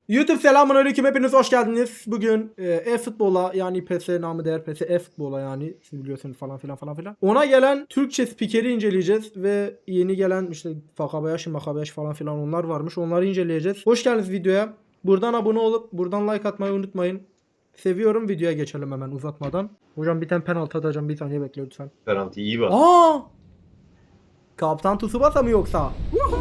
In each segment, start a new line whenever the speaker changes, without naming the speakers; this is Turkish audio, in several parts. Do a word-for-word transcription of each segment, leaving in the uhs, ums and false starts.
YouTube selamünaleyküm, hepiniz hoş geldiniz. Bugün e, e-futbola yani P S namı değer P S e-futbola yani siz biliyorsunuz falan filan falan filan. Ona gelen Türkçe spikeri inceleyeceğiz ve yeni gelen işte Fakabayaş, Makabayaş falan filan onlar varmış. Onları inceleyeceğiz. Hoş geldiniz videoya. Buradan abone olup buradan like atmayı unutmayın. Seviyorum. Videoya geçelim hemen uzatmadan. Hocam bir tane penaltı atacağım, bir saniye bekle lütfen.
Penaltı iyi bak.
Aa! Kaptan Tsubasa mı yoksa?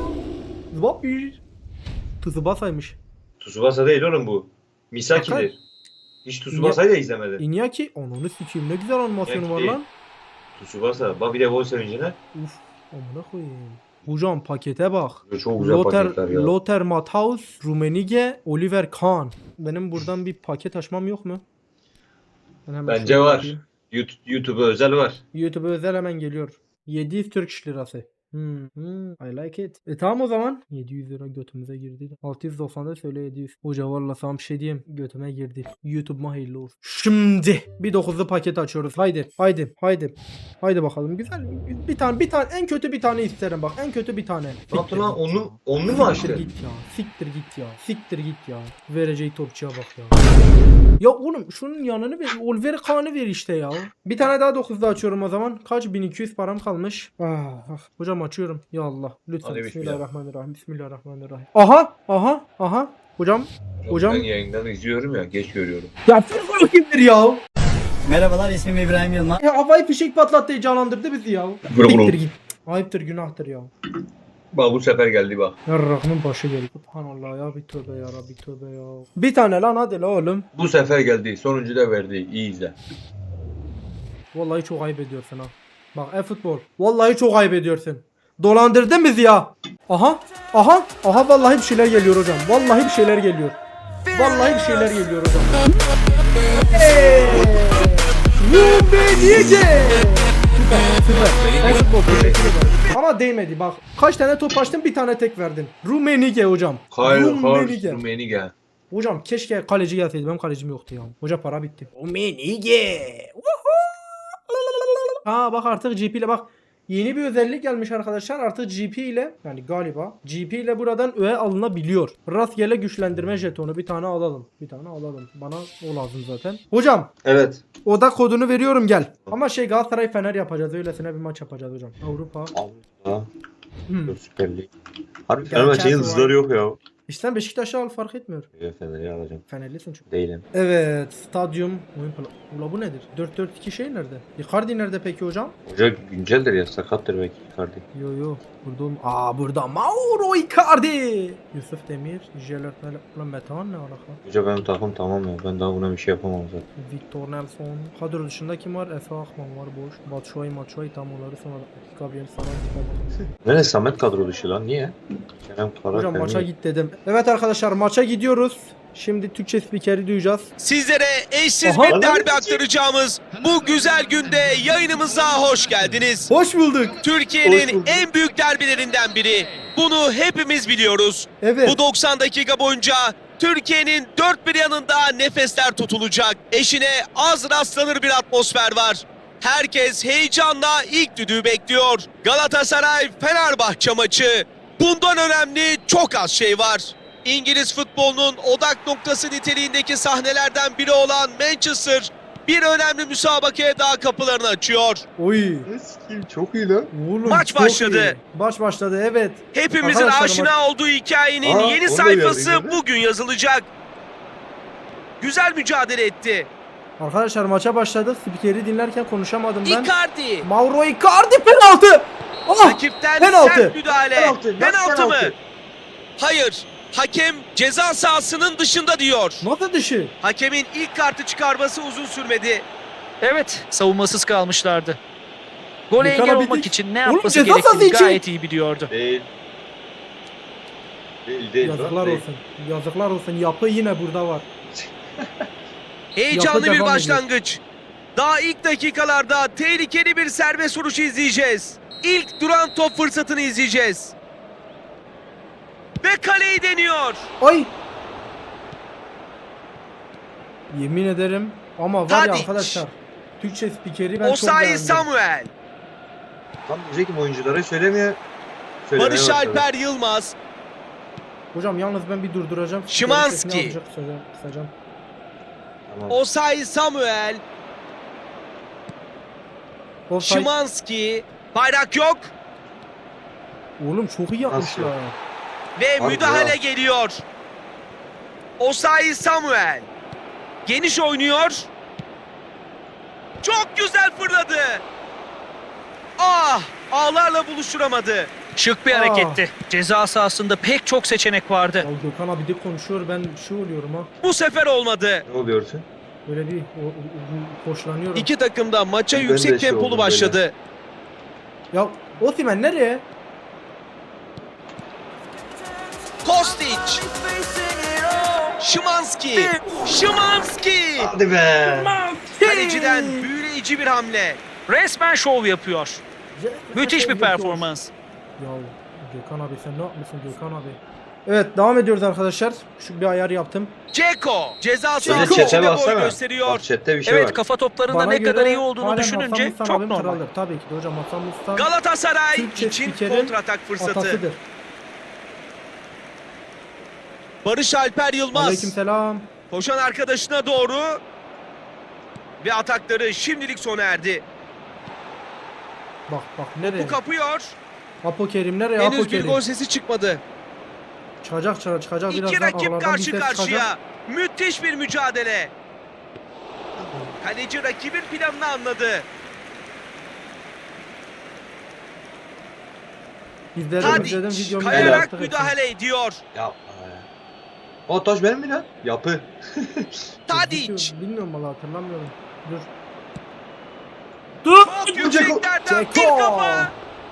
Zwapi. Tsubasa'ymış.
Tsubasa değil oğlum bu.
Bakar.
Misaki'dir. Hiç Tsubasa'yı da izlemedim.
Iñaki, ananı sikeyim, ne güzel animasyonu
Iñaki
var
değil.
lan.
Tsubasa. Bak bir de gol sevincine.
Uf, amına koyayım. Hocam pakete bak.
Çok güzel
Lothar,
paketler ya.
Lothar Matthaus, Rummenigge, Oliver Kahn. Benim buradan bir paket açmam yok mu? Ben hemen
Bence
şöyle
var.
yapayım.
YouTube, YouTube'a özel var.
YouTube'a özel hemen geliyor. yedi yüz Türk lirası. Hmm, hmm, I like it. E tamam o zaman. yedi yüz lira götümüze girdi. altı yüz doksan söyle yedi yüz. Hoca valla sana bir şey diyeyim. Götüme girdi. YouTube'ma hayırlı olsun. Şimdi bir dokuzlu paket açıyoruz. Haydi. Haydi. Haydi. Haydi bakalım. Güzel. Bir tane bir tane en kötü bir tane isterim bak. En kötü bir tane.
Ne yaptın lan?
git ya.
Onlu, onlu mu
Siktir
açtı?
git ya. Siktir git ya. Siktir git ya. Vereceği topçuya bak ya. Ya oğlum şunun yanını ver. Oliver Kahn'ı ver işte ya. Bir tane daha dokuzda açıyorum o zaman. Kaç? bin iki yüz param kalmış. Ah, ah. Hocam açıyorum. Ya Allah. Lütfen.
Hadi bismillah.
Bismillahirrahmanirrahim. Bismillahirrahmanirrahim. Aha. Aha. Aha. Hocam. Hocam.
Ben yayından izliyorum ya. Geç görüyorum.
Ya Fırfır kimdir ya?
Merhabalar, ismim İbrahim Yılmaz.
Ya havai fişek patlattı, heyecanlandırdı bizi ya.
Bro, bro.
Siktir git. Ayıptır, günahtır ya.
Bak bu sefer geldi bak.
Yarrağımın başı geldi. Subhanallah ya, bir tövbe ya Rabbi, tövbe ya. Bir tane lan hadi la oğlum.
Bu sefer geldi. Sonuncu da verdi. İyi izle.
Vallahi çok ayıp ediyorsun ha. Bak e-futbol. Vallahi çok ayıp ediyorsun. Dolandırdın bizi ya. Aha. Aha. Aha vallahi bir şeyler geliyor hocam. Vallahi bir şeyler geliyor. Vallahi bir şeyler geliyor hocam. Hey! Rummenigge! Süper, süper. E-futbol, teşekkür ederim. Ama değmedi bak. Kaç tane top açtın, bir tane tek verdin. Rummenigge hocam.
Kyle
Rummenigge.
Hars Rummenigge.
Hocam keşke kaleci gelseydi. Benim kalecim yoktu ya. Hoca para bitti. Rummenigge. Aa bak artık G P ile bak. Yeni bir özellik gelmiş arkadaşlar. Artık G P ile yani galiba G P ile buradan öğe alınabiliyor. Rastgele güçlendirme jetonu bir tane alalım. Bir tane alalım. Bana o lazım zaten. Hocam
Evet.
oda kodunu veriyorum, gel. Ama şey Galatasaray Fener yapacağız. Öylesine bir maç yapacağız hocam. Avrupa.
Allah.
Hmm.
Süper Lig. Harbi
Gel,
Fenerbahçe'nin
gel,
yıldızları yok ya.
İşte Beşiktaş'ı al, fark etmiyor.
Evet, Fener'i alacağım.
Fenerlisin çünkü.
Değilim.
Evet, stadyum oyun planı. Ula bu nedir? dört dört iki şey nerede? Icardi nerede peki hocam?
Hoca günceldir ya. Sakattır belki Icardi.
Yo yo. Burada olm- Aa burada Mauro Icardi. Yusuf Demir, Jelert Mele. Ulan Metehan ne alaka?
Hoca benim takım tamam ya. Ben daha buna bir şey yapamam zaten.
Victor Nelson. Kadro dışında kim var? Efe Akman var boş. Batshuayi, Matshuayi tam onları sonra. Gabriel Saran.
Nerede Samet kadro dışı lan? Niye? Kerem Karakter
Hocam maça
niye?
git dedim. Evet arkadaşlar, maça gidiyoruz. Şimdi Türkçe spikeri duyacağız.
Sizlere eşsiz
Aha.
bir derbi aktaracağımız bu güzel günde yayınımıza hoş geldiniz.
Hoş bulduk.
Hoş
Türkiye'nin
bulduk.
en büyük derbilerinden biri. Bunu hepimiz biliyoruz.
Evet.
Bu doksan dakika boyunca Türkiye'nin dört bir yanında nefesler tutulacak. Eşine az rastlanır bir atmosfer var. Herkes heyecanla ilk düdüğü bekliyor. Galatasaray Fenerbahçe maçı. Bundan önemli çok az şey var. İngiliz futbolunun odak noktası niteliğindeki sahnelerden biri olan Manchester bir önemli müsabakaya daha kapılarını açıyor.
Oy.
Eski çok iyi lan.
Oğlum,
Maç
çok
başladı.
iyi. Maç başladı, evet.
Hepimizin
Arkadaşlar,
aşina olduğu hikayenin
Aa,
yeni
onu da
sayfası
gördüm,
bugün yazılacak. Güzel mücadele etti.
Arkadaşlar maça başladık. Spikeri dinlerken konuşamadım ben.
Icardi.
Mauro Icardi penaltı. Ah!
Rakipten
penaltı.
sert müdahale.
Penaltı,
Penaltı,
nasıl
mı?
penaltı?
Hayır. Hakem ceza sahasının dışında diyor.
Nasıl dışı?
Hakemin ilk kartı çıkarması uzun sürmedi.
Evet, savunmasız kalmışlardı. Gole
Yıkana
engel
bildik.
olmak için ne
Oğlum,
yapması
ceza sahası
gerektiğini
için.
gayet iyi biliyordu.
Değil. Değil değil.
Yazıklar
değil.
olsun. Yazıklar olsun. Yapı yine burada var.
Heyecanlı
Yapı
bir
devam
başlangıç. Daha ilk dakikalarda tehlikeli bir serbest vuruş izleyeceğiz. İlk duran top fırsatını izleyeceğiz. Ve kaleyi deniyor.
Ay. Yemin ederim ama var ya
Tadic.
arkadaşlar. Türkçe spikeri ben çok
Osayi
beğendim.
Samuel.
Tam diyecek ki oyunculara söylemiyor.
Barış Alper Yılmaz.
Hocam yalnız ben bir durduracağım.
Szymański.
Sesini azıcık kısacağım. kısacağım.
Tamam.
Osayi Samuel.
Offside.
Szymański. Bayrak yok.
Oğlum çok iyi yapmışlar.
Nasıl?
Ve
Abi
müdahale
ya.
geliyor. Osayi Samuel. Geniş oynuyor. Çok güzel fırladı. Ah! Ağlarla buluşturamadı.
Şık bir
Aa.
hareketti. Ceza sahasında pek çok seçenek vardı.
Ya Gökhan abi de konuşuyor, ben şey oluyorum ha.
Bu sefer olmadı.
Ne oluyorsun?
Böyle bir o, o- o- hoşlanıyorum.
İki takım da maça
Ben de
yüksek
şey
tempolu
oldum
başladı.
Ya Osimhen nereye?
Kostic. Szymański. Szymański.
Hadi be.
Kaleciden büyüleyici bir hamle.
Resmen şov yapıyor. Müthiş bir performans.
Ya Gökhan abi sen ne yapmışsın Gökhan abi? Evet devam ediyoruz arkadaşlar. Şu bir ayar yaptım.
Ceko ceza
Ceko.
sahası
Bir de chat'e
içinde boy
baksana.
gösteriyor.
Bak chat'te bir şey
Evet,
var.
kafa toplarında
Bana
ne kadar
göre
iyi olduğunu
halen
düşününce
Hasan Mustan
çok
abim
normal.
kraldır. Tabii ki de hocam Hasan Mustan
Galatasaray
Türkçe
için
spikerin
kontratak fırsatı.
atasıdır.
Barış Alper Yılmaz
Aleykümselam.
koşan arkadaşına doğru ve atakları şimdilik sona erdi.
Bak bak nereye?
Bu kapıyor.
Apo Kerim nereye? Apo
Henüz bir
Kerim.
gol sesi çıkmadı.
Çıkacak çıkacak çıkacak
İki
birazdan
rakip
aralardan bir
karşı
ses
karşıya.
çıkacak.
Müthiş bir mücadele. Kaleci rakibin planını anladı.
İzledim izledim
Tadic
videomu.
kayarak
yaptık
müdahale ediyor.
Yapma ya. O taş benim mi lan? Yapı.
hepsini.
Tadic
Video- Bilmiyorum valla hatırlamıyorum. Dur. Dur.
çok yükseklerden bir
Ceko.
kafa.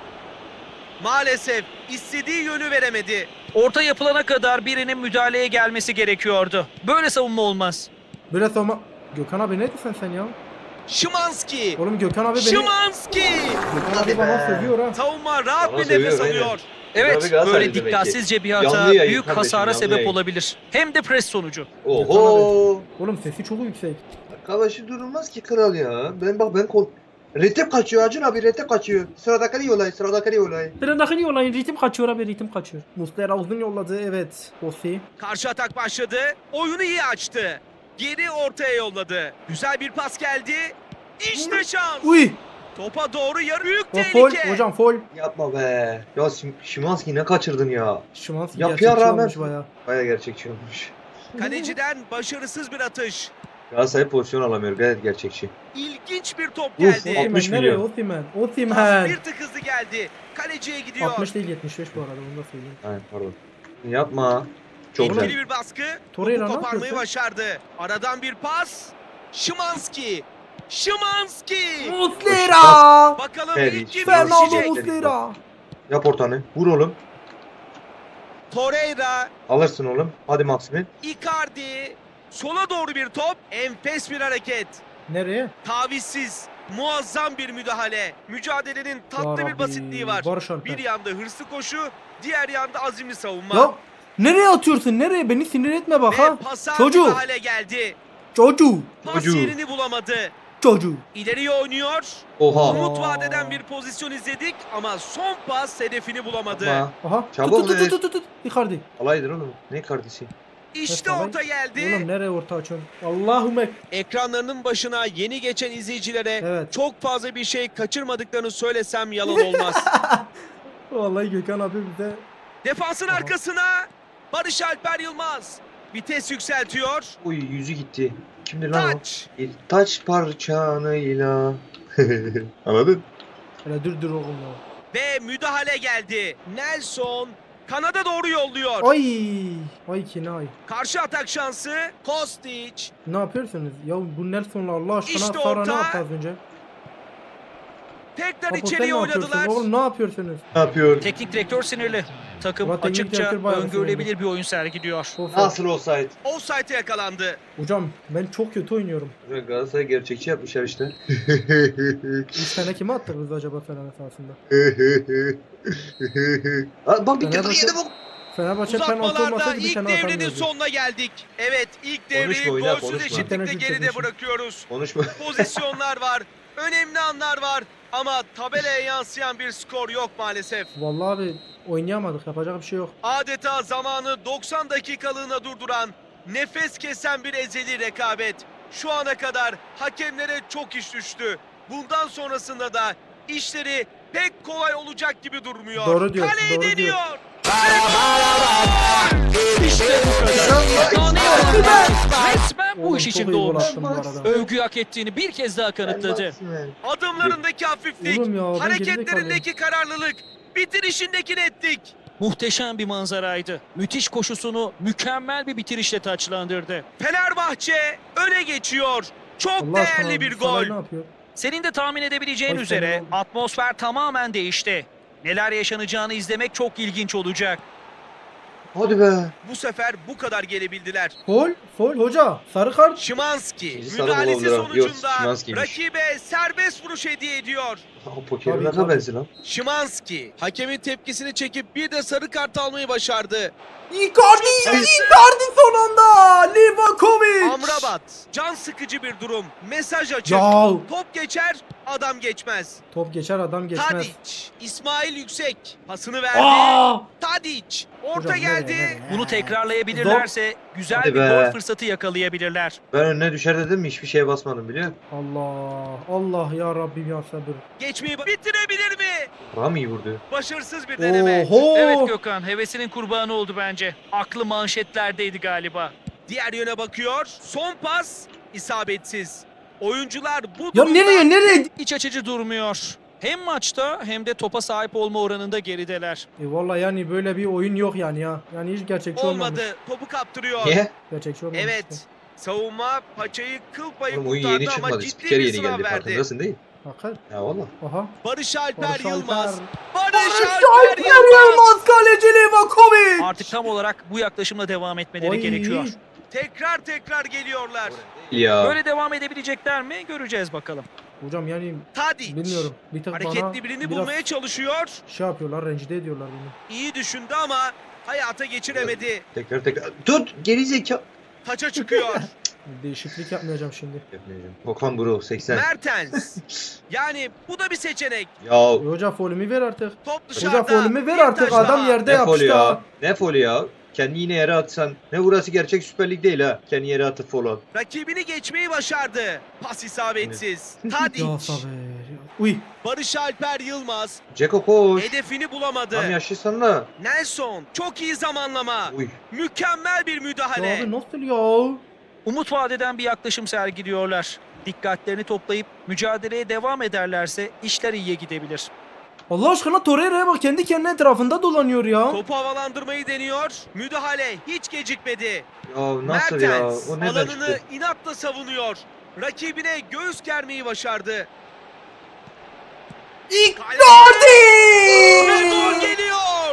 Maalesef istediği yönü veremedi.
Orta yapılana kadar birinin müdahaleye gelmesi gerekiyordu. Böyle savunma olmaz.
Böyle savunma. Gökhan abi ne diyorsun sen ya?
Szymański.
Oğlum Gökhan abi beni...
Szymański.
Gökhan abi bana
be.
sövüyor ha.
Savunma rahat
Bana
bir nefes
seviyor, aynen.
alıyor.
Evet,
Tabii Galatasaray
böyle
demek ki.
dikkatsizce bir hata
Yanlı yayın
büyük
kardeşim,
hasara
yanlı
sebep
yayın.
olabilir. Hem de pres sonucu.
Oho.
Oğlum sesi çok yüksek.
Arkadaşı durulmaz ki kral ya. Ben bak ben kol... Retep kaçıyor Acun abi retep kaçıyor. Sıradaki olay sıradaki olay.
Trendakini yollayın ritim kaçıyor abi ritim kaçıyor. Muslera uzun yolladı evet. Osi.
Karşı atak başladı. Oyunu iyi açtı. Geri ortaya yolladı. Güzel bir pas geldi. İşte şans.
Uy.
Topa doğru yarı büyük
O fol
tehlike.
hocam fol.
Yapma be. Ya Sim- Szymański ne kaçırdın ya.
Şimanski
Yapıya
gerçekçi
rağmen-
olmuş baya.
Baya gerçekçi olmuş.
Kaleciden başarısız bir atış.
Galatasaray pozisyon alamıyor gayet gerçekçi.
İlginç bir top
Uf,
geldi.
altmış
Osimhen nereye
milyon.
Osimhen?
Pas
Osimhen.
bir tık hızlı geldi. Kaleciye gidiyor.
altmış değil yetmiş beş bu arada onu da söyleyeyim.
Aynen pardon. Yapma. Çok
Etkili
güzel.
bir baskı.
Torreira
Topu
ne
koparmayı
yapıyorsun?
başardı. Aradan bir pas. Szymański. Szymański.
Muslera.
Bakalım
Evet,
ilk kim
Fernando
düşecek?
Muslera.
Yap ortanı. Vur oğlum.
Torreira.
Alırsın oğlum. Hadi Maximin.
Icardi. Sola doğru bir top. Enfes bir hareket.
Nereye?
Tavizsiz. Muazzam bir müdahale. Mücadelenin tatlı
Ya
bir
Rabbi,
basitliği var.
Barış Alper.
Bir yanda hırslı koşu, diğer yanda azimli savunma.
Ya nereye atıyorsun? Nereye? Beni sinir etme bak
Ve
ha.
pasa
Çocuk.
müdahale geldi.
Çocuğu.
Pas
Çocuğu.
yerini bulamadı.
Çocuğu.
İleriye oynuyor.
Oha.
Umut vadeden bir pozisyon izledik ama son pas hedefini bulamadı.
Yapma.
Aha.
Çabuk
tut,
be.
tut, tut, tut, tut. Icardi.
Alaydın oğlum. Ne kardeşi?
İşte
Evet,
orta geldi.
Oğlum nereye orta açıyorsun? Allahümme.
Ekranlarının başına yeni geçen izleyicilere
Evet.
çok fazla bir şey kaçırmadıklarını söylesem yalan olmaz.
Vallahi Gökhan abi bize
Defansın
Aha. arkasına
Barış Alper Yılmaz. Vites yükseltiyor.
Uy yüzü gitti. Kimdir lan o?
Taç.
Bir taç parçanıyla. Anladın?
hele dur dur oğlum ya.
Ve müdahale geldi. Nelson kanada doğru yolluyor.
Ay. Ay ki ne ay.
Karşı atak şansı. Kostic.
Ne yapıyorsunuz? Ya bu Nelson'la Allah aşkına
İşte
Sara
orta.
ne yaptı az önce?
Tekrar
Apo, sen
içeriye
ne yapıyorsun?
oynadılar.
Oğlum ne yapıyorsunuz?
Ne yapıyor?
Teknik direktör sinirli. Takım
Ama teknik
açıkça
direktör bayağı
öngörülebilir bir oyun sergiliyor.
Of,
Nasıl olsaydı?
Offside'e yakalandı.
Hocam ben çok kötü oynuyorum.
Galatasaray gerçekçi yapmışlar işte.
üç tane kime attık biz acaba Fener esasında?
Aa, bak bir kere
Fenerbahçe-
yedi bu.
Fenerbahçe penaltı
Uzatmalarda
olmasaydı bir
ilk
tane
devrenin
atamıyordu.
sonuna geldik. Evet, ilk
Konuşma,
devreyi
oyna,
golsüz
konuşma.
eşitlikle
İnternet
geride
yüklemişim.
bırakıyoruz.
Konuşma.
Pozisyonlar var, önemli anlar var ama tabelaya yansıyan bir skor yok maalesef.
Vallahi abi oynayamadık. Yapacak bir şey yok.
Adeta zamanı doksan dakikalığına durduran, nefes kesen bir ezeli rekabet. Şu ana kadar hakemlere çok iş düştü. Bundan sonrasında da işleri pek kolay olacak gibi durmuyor.
Doğru diyor,
Kaleyi
doğru diyor.
deniyor.
İşte bu kadar. Daha ne yapalım? Resmen bu
Oğlum,
iş
çok
için
iyi gol
doğmuş.
attım bu arada.
Övgü hak ettiğini bir kez daha kanıtladı.
Adımlarındaki hafiflik,
Oğlum ya, ben
hareketlerindeki kararlılık, bitirişindeki netlik.
Muhteşem bir manzaraydı. Müthiş koşusunu mükemmel bir bitirişle taçlandırdı.
Fenerbahçe öne geçiyor. Çok
Allah aşkına
değerli bir
Salah
gol.
ne yapıyor?
Senin de tahmin edebileceğin
Hoş
üzere
geldin.
atmosfer tamamen değişti. Neler yaşanacağını izlemek çok ilginç olacak.
Hadi be.
Bu sefer bu kadar gelebildiler.
Gol, foul hoca. Sarı kart.
Şimanski
İkinci sarı
müdahalesi
bulundu. Yok,
sonucunda
Szymański'ymiş.
rakibe serbest vuruş hediye ediyor.
Pokerin
Tabii,
ne
tabii.
benzi lan?
Şimanski hakemin tepkisini çekip bir de sarı kart almayı başardı.
Icardi, Icardi son anda. Livakovic.
Amrabat can sıkıcı bir durum. Mesaj açık.
Ya.
Top geçer, adam geçmez.
Top geçer adam geçmez.
Tadic, İsmail Yüksek pasını verdi.
Aa!
Tadic orta
Hocam, nereye,
geldi.
nereye?
Bunu tekrarlayabilirlerse güzel
Hadi
bir
be.
gol fırsatı yakalayabilirler.
Ben önüne düşer dedim mi hiçbir şeye basmadım biliyor musun?
Allah, Allah ya Rabbim ya sabır.
Geçmeyi bitirebilir mi?
Ram iyi vurdu.
Başarısız bir deneme.
Oho.
Evet Gökhan, hevesinin kurbanı oldu bence. Aklı manşetlerdeydi galiba.
Diğer yöne bakıyor. Son pas isabetsiz. Oyuncular bu
Ya
durumda
nereye, nereye?
İç açıcı durmuyor. Hem maçta hem de topa sahip olma oranında gerideler.
E vallahi yani böyle bir oyun yok yani ya. Yani hiç gerçekçi olmamış.
olmadı. Topu kaptırıyor.
Niye?
Gerçekçi olmamış.
Evet.
işte.
Savunma paçayı kıl payı
Oğlum oyun
kurtardı
yeni
ama
çıkmadı.
ciddi
Spiker
bir
yeni
sınav
geldi
verdi.
farkındasın değil mi?
Bakın.
Ya valla.
Aha.
Barış Alper
Barış
Yılmaz.
Alper.
Barış,
Barış
Alper,
Alper
Yılmaz.
Yılmaz kaleci Livakovic.
Artık tam olarak bu yaklaşımla devam etmeleri
Oy.
gerekiyor.
Tekrar tekrar geliyorlar.
Ya.
Böyle devam edebilecekler mi? Göreceğiz bakalım.
Hocam yani
Tadic.
bilmiyorum. Bir tık bana
Hareketli birini
biraz
bulmaya çalışıyor.
şey yapıyorlar, rencide ediyorlar beni.
İyi düşündü ama hayata geçiremedi.
Tekrar tekrar. Tut geri zeka.
Taça çıkıyor.
Değişiklik yapmayacağım şimdi.
Yapmayacağım. Okan Bro seksen.
Mertens. Yani bu da bir seçenek.
Ya
E hoca faulümü ver artık.
Top dışarıda.
Hoca faulümü ver
bir
artık.
taş
Adam
daha.
yerde
ne folu
yapıştı.
ya?
ha.
Ne folu ya? Kendi yine yere atsan. Ne burası gerçek Süper Lig değil ha. Kendi yere atıp fol at.
Rakibini geçmeyi başardı. Pas isabetsiz.
Ya
Tadic.
sabır. Uy.
Barış Alper Yılmaz.
Ceko koş.
Hedefini bulamadı.
Tam yaşlısın da.
Nelson. Çok iyi zamanlama.
Uy.
Mükemmel bir
Ya
müdahale.
abi nasıl ya?
Umut vadeden bir yaklaşım sergiliyorlar. Dikkatlerini toplayıp mücadeleye devam ederlerse işler iyiye gidebilir.
Allah aşkına Torreira'ya bak, kendi kendine etrafında dolanıyor ya.
Topu havalandırmayı deniyor. Müdahale hiç gecikmedi.
Ya nasıl ya?
Mertens
O neden
alanını
çıktı?
inatla savunuyor. Rakibine göğüs germeyi başardı.
Icardi!
Ve gol geliyor.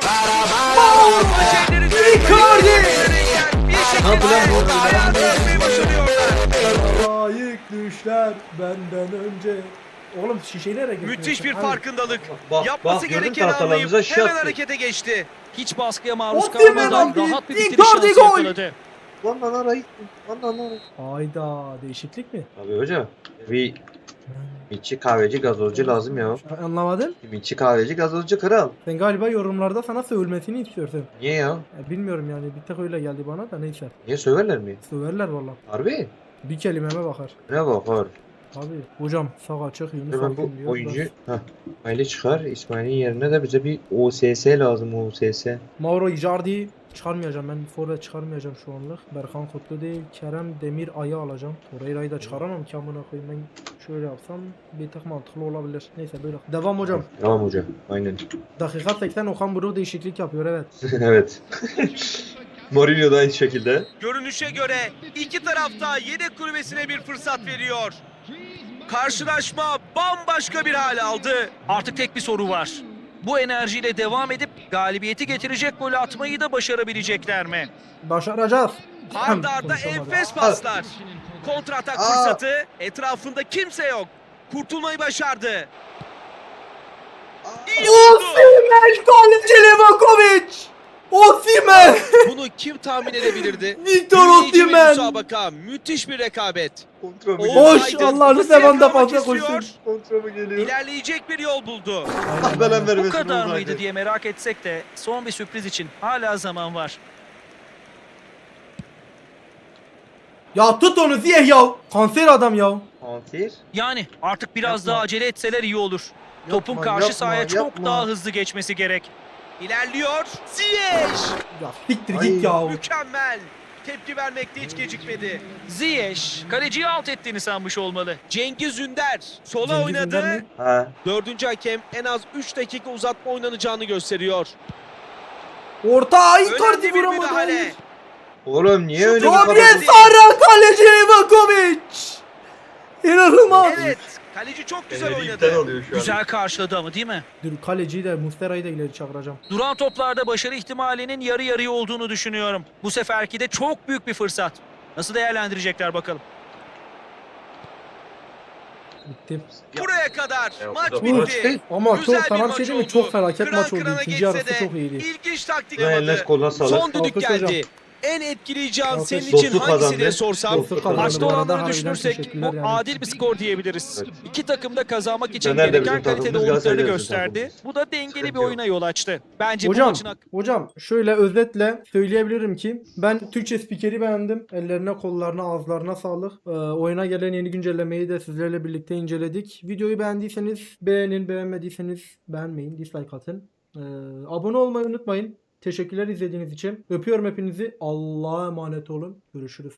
Icardi!
Bir
Ne yapıyor lan bu?
şekilde ayağını atmayı başarıyorlar.
Layık düşler benden önce. Oğlum şişeyi nereye getiriyorsun?
Müthiş bir
Hadi.
farkındalık.
Bak,
Yapması
bak, gördün
gerekeni
tahtalarımıza
anlayıp
şey
hemen
attı.
harekete geçti.
Hiç baskıya maruz
Osimhen
kalmadan
abi,
rahat bir bitiriş
Icardi
şansı
gol!
yakaladı.
Lan lan ara gitti. Lan lan lan.
Hayda, değişiklik mi?
Abi hoca. Bir Mitçi kahveci gazozcu lazım ya.
Anlamadın?
Mitçi kahveci gazozcu kral.
Sen galiba yorumlarda sana sövülmesini istiyorsun.
Niye ya?
Ya bilmiyorum yani, bir tek öyle geldi bana da neyse.
Niye söverler mi?
Söverler valla.
Harbi?
Bir kelimeme bakar.
Ne bakar?
Abi hocam sağ açık Yunus
Hemen
Akgün
bu
diyor.
oyuncu
Ben-
Heh. İsmail'i çıkar. İsmail'in yerine de bize bir O S S lazım O S S.
Mauro Icardi çıkarmayacağım, ben forvet çıkarmayacağım şu anlık. Berkan Kutlu değil, Kerem Demir Ay'ı alacağım. Torreira'yı da çıkaramam ki amına koyayım, ben şöyle yapsam bir tık mantıklı olabilir. Neyse böyle. Devam hocam.
Tamam hocam. Aynen.
Dakika seksen Okan Buruk değişiklik yapıyor, evet.
Evet. Mourinho da aynı şekilde.
Görünüşe göre iki tarafta yedek kulübesine bir fırsat veriyor. Karşılaşma bambaşka bir hal aldı.
Artık tek bir soru var. Bu enerjiyle devam edip galibiyeti getirecek golü atmayı da başarabilecekler mi?
Başaracağız.
Arda arda
Konuşamadım.
enfes paslar. Kontratak
Aa.
fırsatı. Etrafında kimse yok. Kurtulmayı başardı. İyi vurdu.
Osimhen kaleci Livakovic. Osimhen!
Bunu kim tahmin edebilirdi?
Victor
Büyüleyici bir
Osimhen!
müsabaka, müthiş bir rekabet.
Kontra mı
Oğuz
geliyor?
Koş,
Aydın
Allah'ını
pası
seven de
yakalamak
fazla
istiyor.
koşsun.
Kontra mı geliyor?
İlerleyecek bir yol buldu.
Allah belanı vermesin.
Bu kadar
Oğuz
mıydı
Aydın.
diye merak etsek de son bir sürpriz için hala zaman var.
Ya tut onu Ziyeh ya. Kanser adam ya.
Kanser.
Yani artık biraz
Yapma.
daha acele etseler iyi olur. Topun
Yapma,
karşı
yapma,
sahaya çok
yapma.
daha hızlı geçmesi gerek.
İlerliyor. Ziyech.
Ya siktir
Ay.
git ya.
Mükemmel. Tepki vermekte hiç gecikmedi.
Ziyech kaleciyi alt ettiğini sanmış olmalı.
Cengiz Ünder sola
Cengiz
oynadı.
Ünder mi?
Ha.
Dördüncü hakem en az üç dakika uzatma oynanacağını gösteriyor.
Orta ay
Önemli
kartı
bir
vuramadı.
müdahale.
hayır.
Oğlum niye
Şu
öyle bir
Gabriel
kadar...
Sara kaleci Livakovic. İnanılmaz.
Evet. Kaleci çok güzel
iptal
oynadı.
oluyor şu an.
Güzel karşıladı ama değil mi?
Dur kaleciyi de Mustera'yı da ileri çağıracağım.
Duran toplarda başarı ihtimalinin yarı yarıya olduğunu düşünüyorum. Bu seferki de çok büyük bir fırsat. Nasıl değerlendirecekler bakalım.
Bitti.
Buraya kadar
Ya,
maç
bu da
bitti.
maç değil.
Ama
Güzel
çok
bir
sana bir
maç
şey diyeyim mi?
oldu.
Çok felaket
Kıran
maç oldu.
kırana
İkinci
geçse
yarısı
de
çok iyiydi.
İlginç taktik
Ya,
amadı.
eline koluna sağlık.
Son düdük
Alkış hocam.
geldi. En etkileyici an
Alkış.
senin için
Dostluk
hangisi
kazandı.
diye sorsam
Dostluk kazandı.
Maçta
Bu arada
olanları
harbiden
düşünürsek
teşekkürler
bu
yani.
adil bir skor diyebiliriz. İki takım da kazanmak için
Fener de
gereken
bizim
kalitede
takımımız,
olduklarını
Galatasaray da bizim
gösterdi.
takımımız.
Bu da dengeli
Sıkıntı
bir
yok.
oyuna yol açtı. Bence bu
Hocam,
maçın hak-
hocam şöyle özetle söyleyebilirim ki ben Türkçe spikeri beğendim. Ellerine, kollarına, ağızlarına sağlık. Ee, oyuna gelen yeni güncellemeyi de sizlerle birlikte inceledik. Videoyu beğendiyseniz beğenin, beğenmediyseniz beğenmeyin, dislike atın. Ee, abone olmayı unutmayın. Teşekkürler izlediğiniz için. Öpüyorum hepinizi. Allah'a emanet olun. Görüşürüz.